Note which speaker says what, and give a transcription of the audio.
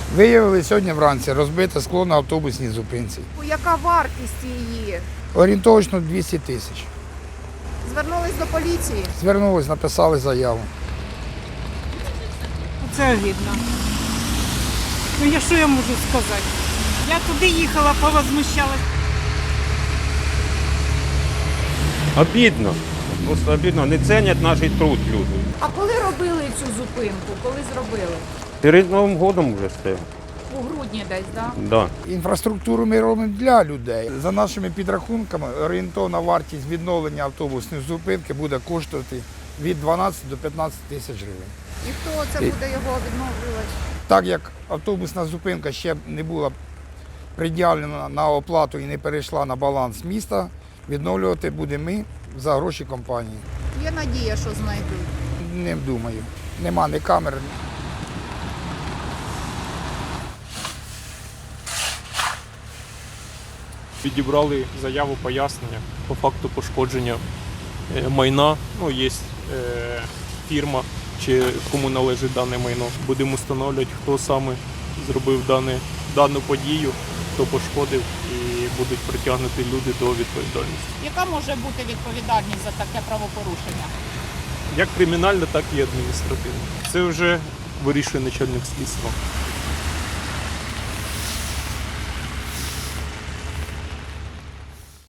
Speaker 1: Виявили сьогодні вранці розбите скло на автобусній зупинці.
Speaker 2: Яка вартість її?
Speaker 1: Орієнтовно 200 тисяч.
Speaker 2: Звернулись до поліції?
Speaker 1: Звернулись, написали заяву.
Speaker 3: Це огидно. Ну я що я можу сказати? Я туди їхала, повозмущалась.
Speaker 4: Обідно. Просто обідно. Не цінять наш труд люди.
Speaker 2: А коли робили цю зупинку? Коли зробили?
Speaker 4: Перед Новим годом вже стає.
Speaker 2: У грудні десь, так?
Speaker 4: Да.
Speaker 1: Інфраструктуру ми робимо для людей. За нашими підрахунками, орієнтовна вартість відновлення автобусної зупинки буде коштувати від 12 до 15 тисяч гривень.
Speaker 2: І хто це буде його відновлювати?
Speaker 1: Так як автобусна зупинка ще не була приділена на оплату і не перейшла на баланс міста, відновлювати будемо ми за гроші компанії.
Speaker 2: Є надія, що знайдуть.
Speaker 1: Не думаю. Нема ні камер.
Speaker 5: Відібрали заяву пояснення по факту пошкодження майна. Ну, є фірма, чи кому належить дане майно. Будемо встановлювати, хто саме зробив дану подію, хто пошкодив, і будуть притягнуті люди до відповідальності.
Speaker 6: Яка може бути відповідальність за таке правопорушення?
Speaker 5: Як кримінальна, так і адміністративна. Це вже вирішує начальник слідства.